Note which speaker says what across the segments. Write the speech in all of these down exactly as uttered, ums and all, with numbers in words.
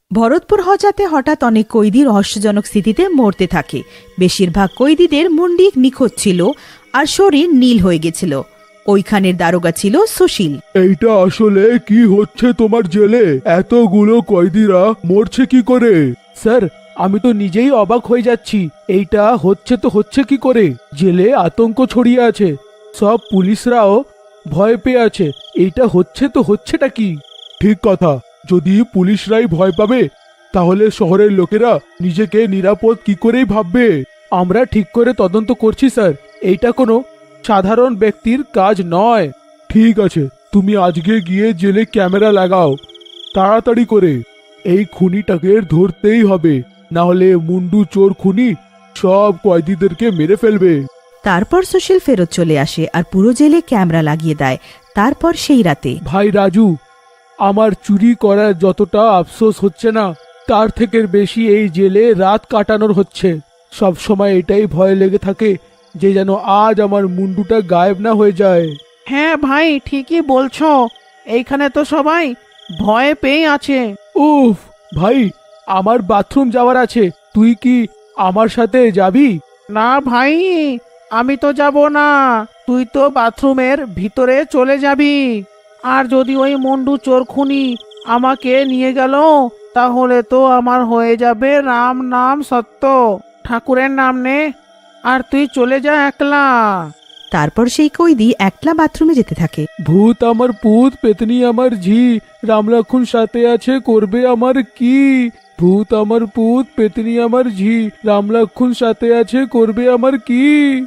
Speaker 1: ভরতপুর হজাতে হঠাৎ অনেক কয়েদি রহস্যজনক স্থিতিতে মরতে থাকে। বেশিরভাগ কয়েদিদের মুন্ডি নিখোঁজ ছিল আর শরীর নীল হয়ে গেছিল। ওইখানের দারোগা ছিল সুশীল।
Speaker 2: এইটা আসলে কি হচ্ছে তোমার জেলে? এতগুলো কয়েদিরা মরছে কি করে?
Speaker 3: স্যার, আমি তো নিজেই অবাক হয়ে যাচ্ছি। এইটা হচ্ছে তো হচ্ছে কি করে? জেলে আতঙ্ক ছড়িয়ে আছে, সব পুলিশরাও ভয় পেয়ে আছে। এইটা হচ্ছে তো হচ্ছেটা কি?
Speaker 2: ঠিক কথা, যদি পুলিশরাই ভয় পাবে তাহলে শহরের লোকেরা নিজেকে নিরাপদ কি করেই ভাববে?
Speaker 3: আমরা ঠিক করে তদন্ত করছি স্যার, এইটা কোনো সাধারণ ব্যক্তির কাজ নয়।
Speaker 2: ঠিক আছে, তুমি আজকে গিয়ে জেলে ক্যামেরা লাগাও তাড়াতাড়ি করে। এই খুনিটাকে ধরতেই হবে, না হলে মুন্ডু চোর খুনি সব কয়েদিদেরকে মেরে ফেলবে।
Speaker 1: তারপর সুশীল ফেরত চলে আসে আর পুরো জেলে ক্যামেরা লাগিয়ে দেয়। তারপর সেই রাতে
Speaker 3: ভাই রাজু, আমার চুরি করার যতটা আফসোস হচ্ছে না, তার থেকে বেশি এই জেলে রাত কাটানোর হচ্ছে। সব সময় এটাই ভয় লেগে থাকে যে যেন আজ আমার মুন্ডুটা গায়েব না হয়ে যায়।
Speaker 4: হ্যাঁ ভাই, ঠিকই বলছো। এইখানে তো সবাই ভয় পেয়ে আছে।
Speaker 3: উফ ভাই, আমার বাথরুম যাওয়ার আছে, তুই কি আমার সাথে যাবি?
Speaker 4: না ভাই, আমি তো যাব না। তুই তো বাথরুমের ভিতরে চলে যাবি। আর যদি ওই মুন্ডু চোর খুনি আমাকে নিয়ে গেল, তাহলে তো আমার হয়ে যাবে রাম নাম সত্য। ঠাকুরের নাম নে, আর তুই চলে যা একলা।
Speaker 1: তারপর সেই কয়েদি একলা বাথরুমে যেতে থাকে।
Speaker 3: ভূত আমার পুত, পেতনি আমার ঝি, রামলক্ষণ সাথে আছে করবে আমার কি? ভূত আমার পুত, পেতনি আমার ঝি, রামলক্ষণ সাথে আছে করবে আমার কি?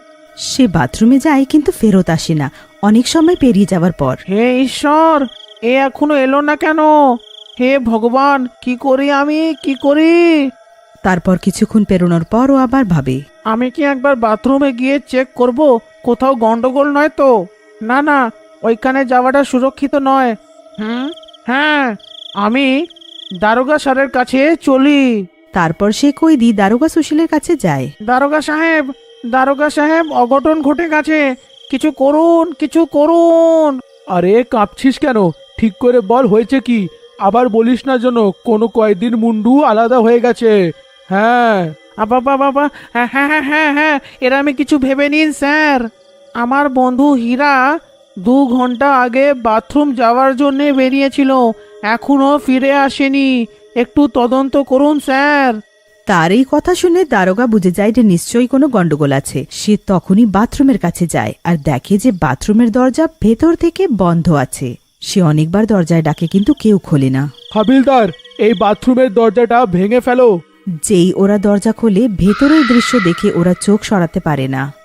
Speaker 1: সে বাথরুমে যায় কিন্তু ফেরত আসে না। অনেক সময় পেরিয়ে যাওয়ার পর
Speaker 4: হে ঈশ্বর, এ এখনো এলো না কেন? হে ভগবান, কি করি আমি, কি করি?
Speaker 1: তারপর কিছুক্ষণ পেরোনোর পর ও আবার ভাবে,
Speaker 4: আমি কি একবার বাথরুমে গিয়ে চেক করব কোথাও গন্ডগোল নয় তো? না না, ওইখানে যাওয়াটা সুরক্ষিত নয়। হুম, হ্যাঁ, আমি দারোগা স্যারের কাছে চলি।
Speaker 1: তারপর সে কয়েদি দারোগা সুশীলের কাছে যায়।
Speaker 4: দারোগা সাহেব, দারোগা সাহেব, অঘটন ঘটে গেছে, কিছু করুন, কিছু করুন।
Speaker 3: আরে কাঁপছিস কেন? ঠিক করে বল, হয়েছে কি? আবার বলিস না যেন কোনো কয়েকদিন মুন্ডু আলাদা হয়ে গেছে। হ্যাঁ
Speaker 4: বাবা বাবা, হ্যাঁ হ্যাঁ হ্যাঁ হ্যাঁ হ্যাঁ, এরা আমি কিছু ভেবে নিন স্যার। আমার বন্ধু হীরা দু ঘন্টা আগে বাথরুম যাওয়ার জন্যে বেরিয়েছিল, এখনো ফিরে আসেনি। একটু তদন্ত করুন স্যার।
Speaker 1: তার এই কথা শুনে দারোগা বুঝে যায় যে নিশ্চয়ই কোনো গন্ডগোল আছে। সে তখনই বাথরুমের কাছে যায় আর দেখে যে বাথরুমের দরজা ভেতর থেকে বন্ধ আছে। সে অনেকবার দরজায় ডাকে কিন্তু কেউ খোলে না।
Speaker 3: হাবিলদার, এই বাথরুমের দরজাটা ভেঙে ফেলো।
Speaker 1: যেই ওরা দরজা খোলে, ভেতরের দৃশ্য দেখে ওরা চোখ সরাতে পারে না।